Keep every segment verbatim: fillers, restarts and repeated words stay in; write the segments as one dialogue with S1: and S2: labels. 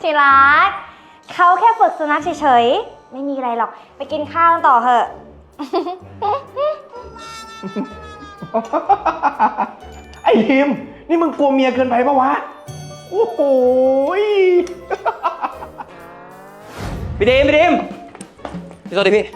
S1: ที่รักเขาแค่ฝึกสุนัขเฉยๆไม่มีอะไรหรอกไปกินข้าวต่อเถอะ
S2: ไอ้ทีมนี่มึงกลัวเมียเกินไปปะวะโอ้โห
S3: พี่ดีมพี่ดีมพี่สวัสดีพี่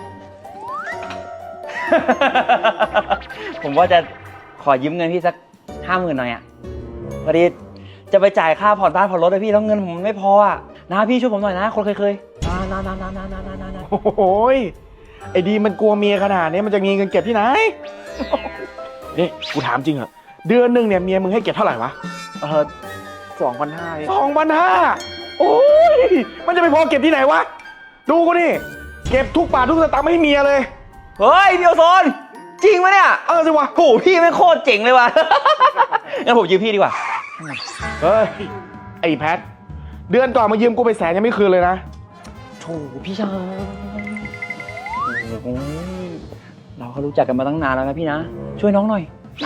S3: ผมว่าจะขอยืมเงินพี่สักห้าหมื่นหน่อยอ่ะพอดีจะไปจ่ายค่าผ่อนบ้านผ่อนรถเลยพี่แล้วเงินผมไม่พออ่ะนะพี่ช่วยผมหน่อยนะคนเคยเคยนะนะนะนะนะนะนะนะ
S2: โอ้โหไอ้ดีมันกลัวเมียขนาดนี้มันจะมีเงินเก็บที่ไหน นี่กูถามจริงเหรอเดือนหนึ่งเนี่ยเมียมึงให้เก็บเท่าไหร่วะ
S3: เออสองพันห้า
S2: สองพันห้าโอ้ยมันจะไปพอเก็บที่ไหนวะดูกูนี่เก็บทุกบาททุกสตางค์ไม่ให้เมียเลย
S3: เฮ้ยพี่โอโซนจริงไหมเนี่ย
S2: เออสิวะ
S3: โหพี่ไม่งโคตรเจ๋งเลยว่ะ งั้นผมยืมพี่ดีกว่า
S2: เฮ้ยไอ้แพทเดือนก่อนมายืมกูไปแสนยังไม่คืนเลยนะ
S3: โถพี่ชายโอ้ยเราก็รู้จักกันมาตั้งนานแล้วนะพี่นะช่วยน้องหน่อย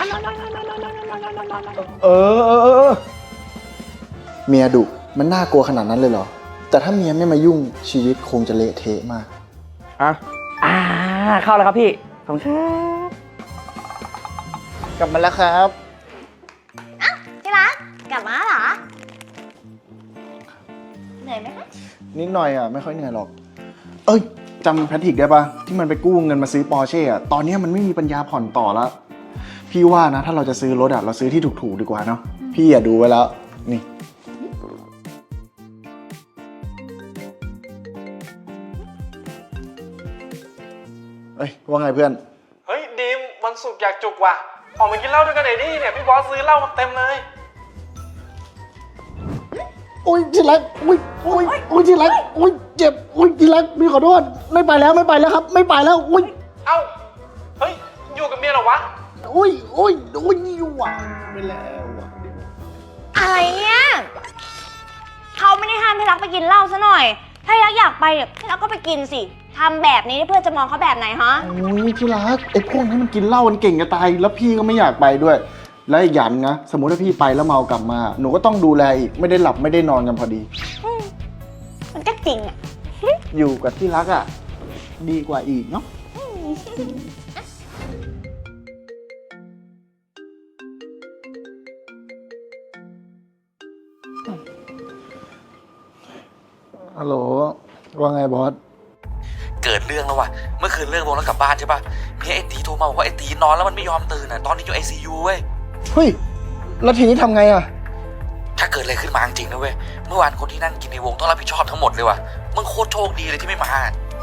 S2: เออเออเออ
S4: เมียดุมันน่ากลัวขนาดนั้นเลยเหรอ แต่ถ้าเมียไม่มายุ่งชีวิตคงจะเละเทะมาก
S2: อ่ะ
S3: อ่าเข้าแล้วครับพี่ขอบคุณครับ
S4: กลับมาแล้วครับ
S1: ที่รักกลับมาเหรอเหนื่อยไหมคะ
S4: นิดหน่อยอ่ะไม่ค่อยเหนื่อยหรอก เอ้ยจำแพทริกได้ปะที่มันไปกู้เงินมาซื้อปอร์เช่อะตอนนี้มันไม่มีปัญญาผ่อนต่อแล้วพี่ว่านะถ้าเราจะซื้อรถอะเราซื้อที่ถูกๆดีกว่าเนาะพี่อย่าดูไว้แล้วนี่เอ้ยว่าไงเพื่อน
S2: เฮ้ยดีมวันศุกร์อยากจุกว่ะออกมากินเหล้าด้วยกันหน่อยดิเนี่ยพี่บอสซื้อเหล้ามาเต็มเลย
S4: อุ้ยที่รักอุ้ยอุ้ยอุ้ยที่รักอุ้ยเจ็บอุ้ยที่รักพี่ขอโทษไม่ไปแล้วไม่ไปแล้วครับ ไม่ไปแล้วอุ้ย
S2: เอ้าเฮ้ยอยู่กับเมียเหรอวะ
S4: อุ้ยอุ้ยอุ้ยอยู่หวานไปแล้วอะ
S1: อะไรเนี่ยเขาไม่ได้ห้ามที่รักไปกินเหล้าซะหน่อยถ้าที่รักอยากไปเนี่ยที่รักก็ไปกินสิทำแบบนี้เพื่อนจะมองเขาแบบไหนฮะ
S4: โอ้ยที่รักไอ้พวกนี้มันกินเหล้ามันเก่งจะตายแล้วพี่ก็ไม่อยากไปด้วย แล้วอีกอย่างนะสมมุติถ้าพี่ไปแล้วเมากลับมา หนูก็ต้องดูแลอีกไม่ได้หลับไม่ได้นอนกันพอดี
S1: มันก็จริงอ่ะ
S4: อยู่กับที่รักอ่ะดีกว่าอีกเนาะฮัลโหลว่าไงบอส
S5: เกิดเรื่องแล้วว่ะ เมื่อคืนเลิกวงแล้วกลับบ้านใช่ปะเมียไอ้ตีโทรมาบอกว่าไอ้ตีนอนแล้วมันไม่ยอมตื่นอ่ะ ตอนนี้อยู่ไอซียูเว้ย
S4: เฮ้ยแล้วทีนี้ทำไงอ่ะ
S5: ถ้าเกิดอะไรขึ้นมาจริงๆนะเว้ย เมื่อวานคนที่นั่งกินในวงต้องรับผิดชอบทั้งหมดเลยว่ะ มึงโคตรโชคดีเลยที่ไม่มา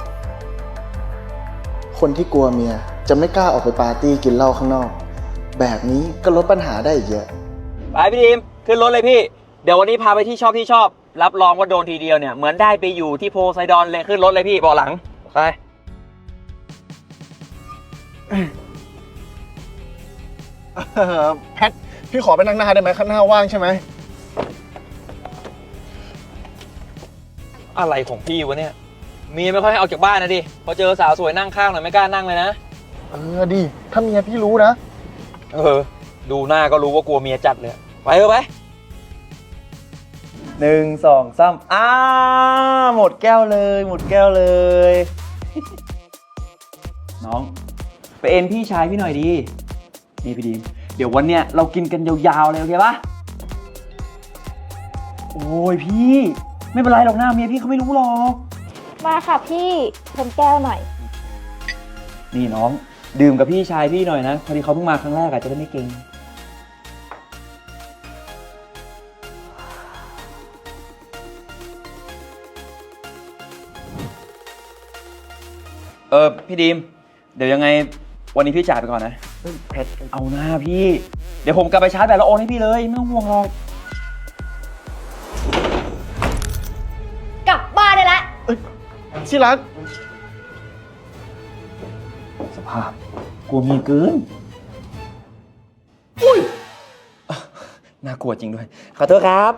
S4: คนที่กลัวเมียจะไม่กล้าออกไปปาร์ตี้กินเหล้าข้างนอก แบบนี้ก็ลดปัญหาได้อีกเยอะ
S3: ไปพี่ดีมขึ้นรถเลยพี่เดี๋ยววันนี้พาไปที่ชอบที่ชอบรับรองว่าโดนทีเดียวเนี่ยเหมือนได้ไปอยู่ที่โพไซดอนเลยขึ้นรถเลยพี่เบาะหลังไป
S4: เอ่อแพทพี่ขอไปนั่งหน้าได้ไหมข้างหน้าว่างใช่ไหม
S3: อะไรของพี่วะเนี่ยเมียไม่ค่อยให้ออกจากบ้านนะดิพอเจอสาวสวยนั่งข้างหน่อยไม่กล้านั่งเลยนะ
S4: เออดิถ้าเมียพี่รู้นะ
S3: เออดูหน้าก็รู้ว่ากลัวเมียจัดเลยไปเถอะไปหนึ่งสองสามอ้าหมดแก้วเลยหมดแก้วเลย น้องไปเอ็นพี่ชายพี่หน่อยดีนี่พี่ดีมเดี๋ยววันเนี้ยเรากินกันยาวๆเลยโอเคปะโอ้ยพี่ไม่เป็นไรหรอกหน้าเมียพี่เขาไม่รู้หรอก
S1: มาค่ะพี่ชนแก้วหน่อย
S3: นี่น้องดื่มกับพี่ชายพี่หน่อยนะพอดีเขาเพิ่งมาครั้งแรกอาจจะได้ไม่เก่งเออพี่ดีมเดี๋ยวยังไงวันนี้พี่จ่ายไปก่อนนะแพทเอาหน้าพี่เดี๋ยวผมกลับไปชาร์จแบตแล้วโอนให้พี่เลยไม่ต้องห่วงหรอก
S1: กลับบ้านได้แล้ว
S4: ที่รัก
S3: สภาพกลัวเมียเกิน
S4: อุ้ย
S3: น่ากลัวจริงด้วยขอโทษครับ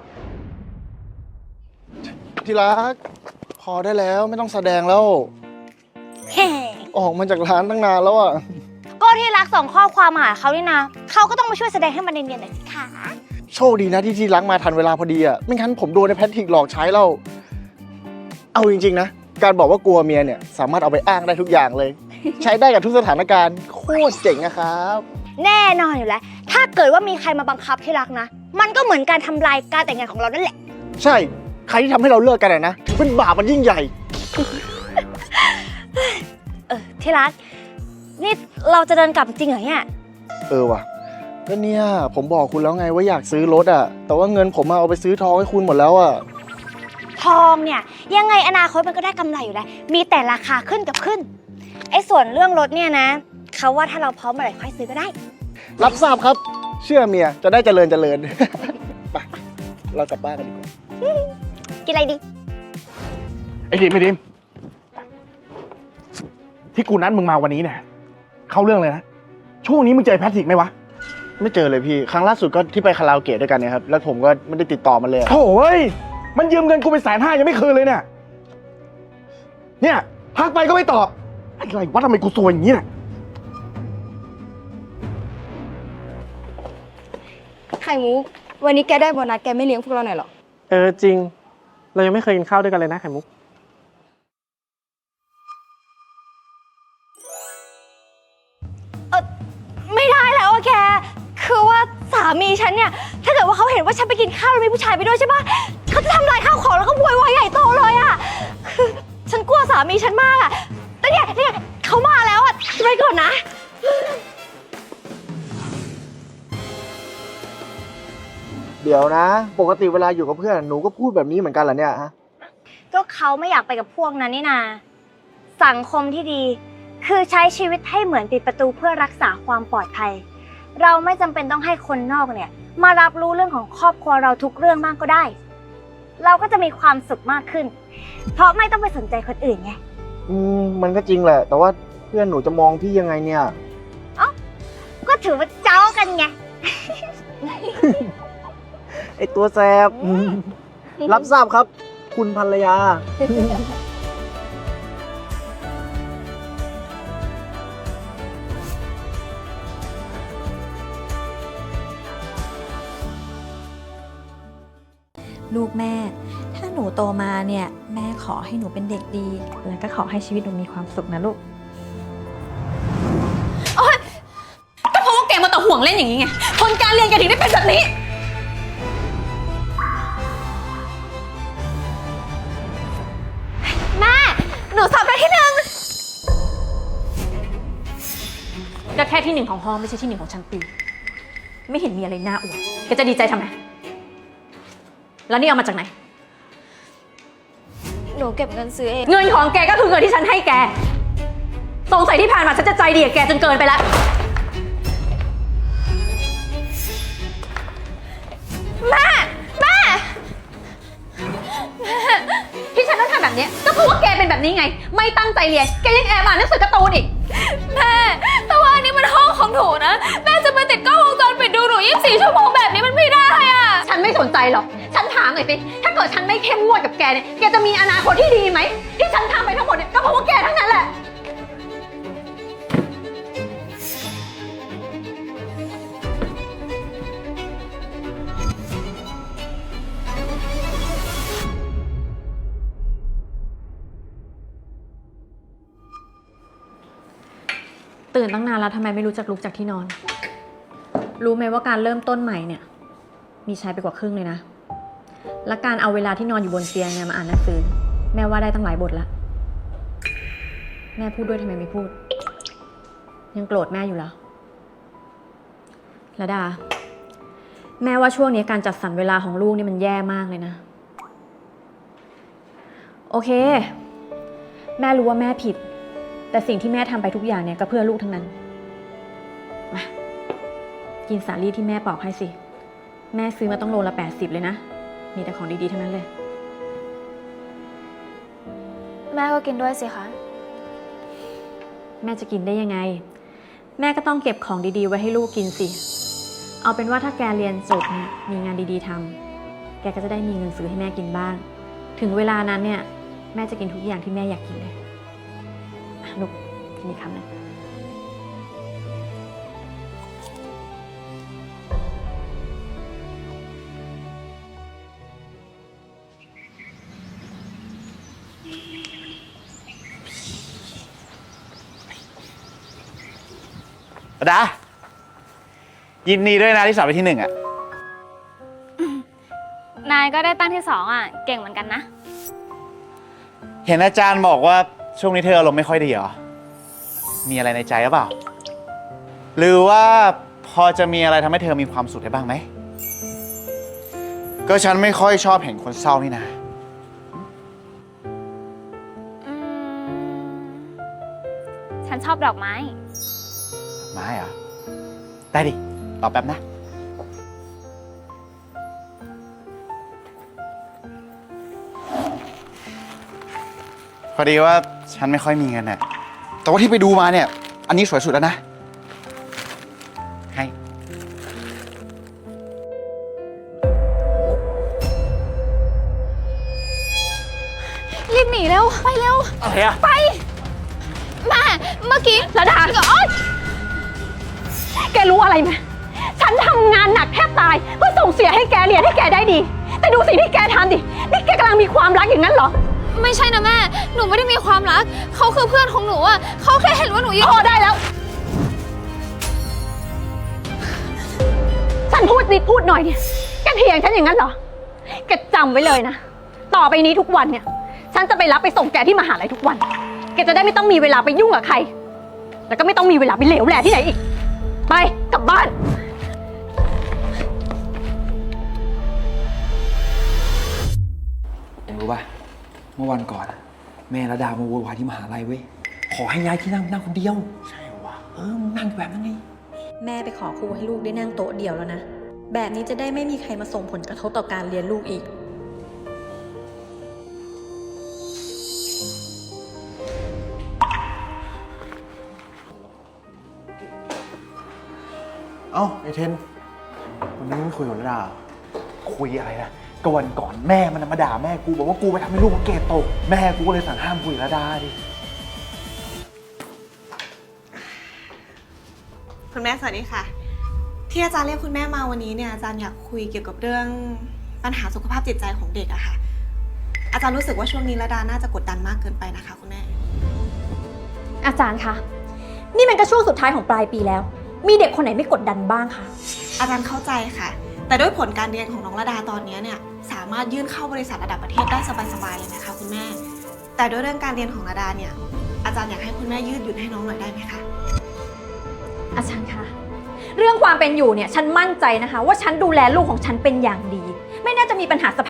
S4: ที่รัก พอได้แล้วไม่ต้องแสดงแล้ว ออกมาจากร้านตั้งนานแล้วอ่ะ
S1: ก็ที่รักส่งข้อความมาหาเขานี่นะเขาก็ต้องมาช่วยแสดงให้มันเนียนๆหน่อยสิคะ
S4: โชคดีนะที่ที่รักมาทันเวลาพอดีอ่ะไม่งั้นผมโดนในแพทริกหลอกใช้แล้วเอาจริงๆนะการบอกว่ากลัวเมียเนี่ยสามารถเอาไปอ้างได้ทุกอย่างเลย ใช้ได้กับทุกสถานการณ์โคตรเจ๋งนะครับ
S1: แน่นอนอยู่แล้ว ถ้าเกิดว่ามีใครมาบังคับที่รักนะ มันก็เหมือนการทำลายการแต่งงานของเรานั่นแหละ
S4: ใช่ใครที่ทำให้เราเลิกกันอะนะถือเป็นบาปมันยิ่งใหญ่
S1: เออที่รักนี่เราจะเดินกลับจริงเหรอเนี่ย
S4: เออว่ะก็เนี่ยผมบอกคุณแล้วไงว่าอยากซื้อรถอ่ะแต่ว่าเงินผมอะเอาไปซื้อทองให้คุณหมดแล้วอ่ะ
S1: ทองเนี่ยยังไงอนาคตมันก็ได้กำไรอยู่แล้ว มีแต่ราคาขึ้นกับขึ้น ไอ้ส่วนเรื่องรถเนี่ยนะเขาว่าถ้าเราพร้อมเมื่อไหร่ค่อยซื้อก็ได้
S4: รับทราบครับ เชื่อเมียจะได้เจริญเจริญ ไปเรากลับบ้านกันดีกว่า
S1: กินอะไรดี
S2: ไอ้ดิมไอ้ดิมที่กูนัดมึงมาวันนี้เนี่ยเข้าเรื่องเลยนะช่วงนี้มึงเจอแพทริกไหมวะ
S4: ไม่เจอเลยพี่ครั้งล่าสุดก็ที่ไปคาราโอเกะด้วยกันเนี่ยครับแล้วผมก็ไม่ได้ติดต่อมันเลยอะ
S2: โถ่ยมันยืมเงินกูไปแสนห้ายังไม่คืนเลยเนี่ยเนี่ยทักไปก็ไม่ตอบอะไรวะทำไมกูซวยอย่างนี้เนี่ย
S6: ไข่มุกวันนี้แกได้โบนัสแกไม่เลี้ยงพวกเราหน่อยหรอ
S7: เออจริง เรายังไม่เคยกินข้าวด้วยกันเลยนะไข่มุก
S1: ไม่ได้แล้วอะแกคือว่าสามีฉันเนี่ยถ้าเกิดว่าเขาเห็นว่าฉันไปกินข้าวแล้วมีผู้ชายไปด้วยใช่ปะเขาจะทำลายข้าวของแล้วก็โวยวายใหญ่โตเลยอะคือฉันกลัวสามีฉันมากอะแต่เนี่ยเนี่ยเขามาแล้วอะไปก่อนนะ
S4: เดี๋ยวนะ ปกติเวลาอยู่กับเพื่อนหนูก็พูดแบบนี้เหมือนกันเหรอเนี่ยฮะ
S1: ก็เขาไม่อยากไปกับพวกนั้นนี่นาสังคมที่ดี คือใช้ชีวิตให้เหมือนปิดประตูเพื่อรักษาความปลอดภัย เราไม่จำเป็นต้องให้คนนอกเนี่ยมารับรู้เรื่องของครอบครัวเราทุกเรื่องบ้างก็ได้ เราก็จะมีความสุขมากขึ้น เพราะไม่ต้องไปสนใจคนอื่นไง
S4: อืมมันก็จริงแหละ แต่ว่าเพื่อนหนูจะมองพี่ยังไงเนี่ย
S1: ก็ถือว่าเจ้ากันไง
S4: ไอตัวแสบ รับทราบครับ คุณภรรยา
S8: ลูกแม่ ถ้าหนูโตมาเนี่ยแม่ขอให้หนูเป็นเด็กดี แล้วก็ขอให้ชีวิตหนูมีความสุขนะลูก
S6: ก็เพราะว่าแกมาแต่ห่วงเล่นอย่างนี้ไงผลการเรียนแกถึงได้เป็นแบบนี้
S1: แม่ หนูสอบได้ที่หนึ่ง
S6: ก็แค่ที่หนึ่งของห้องไม่ใช่ที่หนึ่งของชั้นปี ไม่เห็นมีอะไรน่าอวดแกจะดีใจทำไม แล้วนี่เอามาจากไหน
S1: หนูเก็บเงินซื้อเอง
S6: เงินของแกก็คือเงินที่ฉันให้แก สงสัยที่ผ่านมาฉันจะใจดีกับแกจนเกินไปแล้ว
S1: แม่ แม่
S6: ที่ฉันต้องทำแบบนี้ก็เพราะว่าแกเป็นแบบนี้ไง ไม่ตั้งใจเรียน แกยังแอบอ่านหนังสือการ์ตูนอีก
S1: แม่ แต่ว่าอันนี้มันห้องของหนูนะ แม่จะมาติดกล้องวงจรปิดดูหนูยี่สิบสี่ชั่วโมงแบบนี้มันไม่ได้อะ
S6: ฉันไม่สนใจหรอก ฉันถามหน่อยสิ ถ้าเกิดฉันไม่เข้มงวดกับแกเนี่ย แกจะมีอนาคตที่ดีไหม ที่ฉันทำไปทั้งหมดเนี่ยก็เพราะว่าแกทั้งนั้นแหละ ตื่นตั้งนานแล้วทำไมไม่รู้จักลุกจากที่นอน รู้ไหมว่าการเริ่มต้นใหม่เนี่ย มีใช้ไปกว่าครึ่งเลยนะ และการเอาเวลาที่นอนอยู่บนเตียงเนี่ยมาอ่านหนังสือ แม่ว่าได้ตั้งหลายบทละแม่พูดด้วยทำไมไม่พูด ยังโกรธแม่อยู่เหรอระดา แม่ว่าช่วงนี้การจัดสรรเวลาของลูกนี่มันแย่มากเลยนะ โอเค แม่รู้ว่าแม่ผิด แต่สิ่งที่แม่ทำไปทุกอย่างเนี่ยก็เพื่อลูกทั้งนั้น มา กินสาลี่ที่แม่ปอกให้สิ แม่ซื้อมาต้องโลละแปดสิบเลยนะ มีแต่ของดีๆทั้งนั้นเลย
S1: แม่ก็กินด้วยสิคะ
S8: แม่จะกินได้ยังไง แม่ก็ต้องเก็บของดีๆไว้ให้ลูกกินสิ เอาเป็นว่าถ้าแกเรียนจบเนี่ยมีงานดีๆทำแกก็จะได้มีเงินซื้อให้แม่กินบ้าง ถึงเวลานั้นเนี่ยแม่จะกินทุกอย่างที่แม่อยากกินเลยอ่ะลูกกินอีกคำหนึ่ง
S9: ระดา ยินดีด้วยนะที่สอบไปที่หนึ่งอะ
S1: นายก็ได้ตั้งที่สองอ่ะ เก่งเหมือนกันนะ
S9: เห็นอาจารย์บอกว่าช่วงนี้เธออารมณ์ไม่ค่อยดีเหรอ มีอะไรในใจหรือเปล่า หรือว่าพอจะมีอะไรทำให้เธอมีความสุขได้บ้างไหม ก็ฉันไม่ค่อยชอบเห็นคนเศร้านี่นะ
S1: อืม ฉันชอบดอกไม้
S9: ไม้เหรอ ได้ดิ รอแป๊บนะ พอดีว่าฉันไม่ค่อยมีเงินน่ะ แต่ว่าที่ไปดูมาเนี่ย อันนี้สวยสุดแล้วนะ ให้
S8: รีบหนีเร็ว ไปเร็ว
S9: อะไรอะ
S8: ไป แม่ เมื่อกี้ระดาโอ๊ยแกรู้อะไรไหมฉันทำงานหนักแทบตายเพื่อส่งเสียให้แกเรียนให้แกได้ดี แต่ดูสิ่งที่แกทำดิ นี่แกกำลังมีความรักอย่างนั้นเหรอ
S10: ไม่ใช่นะแม่ หนูไม่ได้มีความรัก เขาคือเพื่อนของหนูอะเขาแค่เห็นว่าหนูอยู่
S8: พอได้แล้ว ฉันพูดนิดพูดหน่อยเนี่ย แกเถียงฉันอย่างนั้นเหรอ แกจำไว้เลยนะ ต่อไปนี้ทุกวันเนี่ย ฉันจะไปรับไปส่งแกที่มหาลัยทุกวัน แกจะได้ไม่ต้องมีเวลาไปยุ่งกับใคร แล้วก็ไม่ต้องมีเวลาไปเหลวแหล่ที่ไหนอีก ไปกลับบ้าน
S3: เอ็งรู้ป่ะ เมื่อวันก่อนอะแม่ระดามาโวยวายที่มหาลัยเว้ย ขอให้ย้ายที่นั่งนั่งคนเดียว ใช่วะเออมึงนั่งแบบนั้นไง
S8: แม่ไปขอครูให้ลูกได้นั่งโต๊ะเดียวแล้วนะ แบบนี้จะได้ไม่มีใครมาส่งผลกระทบต่อการเรียนลูกอีก
S4: เอ้าไอเทน วันนี้ไม่คุยกับระดา
S2: คุยอะไรนะก็วันก่อนแม่มันมาด่าแม่กูบอกว่ากูไปทำให้ลูกมันเกรดตก แม่กูก็เลยสั่งห้ามคุยกับระดาดิ
S11: คุณแม่สวัสดีค่ะ ที่อาจารย์เรียกคุณแม่มาวันนี้เนี่ยอาจารย์อยากคุยเกี่ยวกับเรื่องปัญหาสุขภาพจิตใจของเด็กอะค่ะ อาจารย์รู้สึกว่าช่วงนี้ระดาน่าจะกดดันมากเกินไปนะคะคุณแม่
S8: อาจารย์คะ นี่มันก็ช่วงสุดท้ายของปลายปีแล้ว มีเด็กคนไหนไม่กดดันบ้างคะ
S11: อาจารย์เข้าใจค่ะ แต่ด้วยผลการเรียนของน้องระดาตอนนี้เนี่ยสามารถยื่นเข้าบริษัทระดับประเทศได้สบายๆเลยนะคะคุณแม่ แต่ด้วยเรื่องการเรียนของระดาเนี่ยอาจารย์อยากให้คุณแม่ยืดหยุ่นให้น้องหน่อยได้ไหมคะ
S8: อาจารย์คะ เรื่องความเป็นอยู่เนี่ย ฉันมั่นใจนะคะ ว่าฉันดูแลลูกของฉันเป็นอย่างดี ไม่น่าจะมีปัญหาสภาพ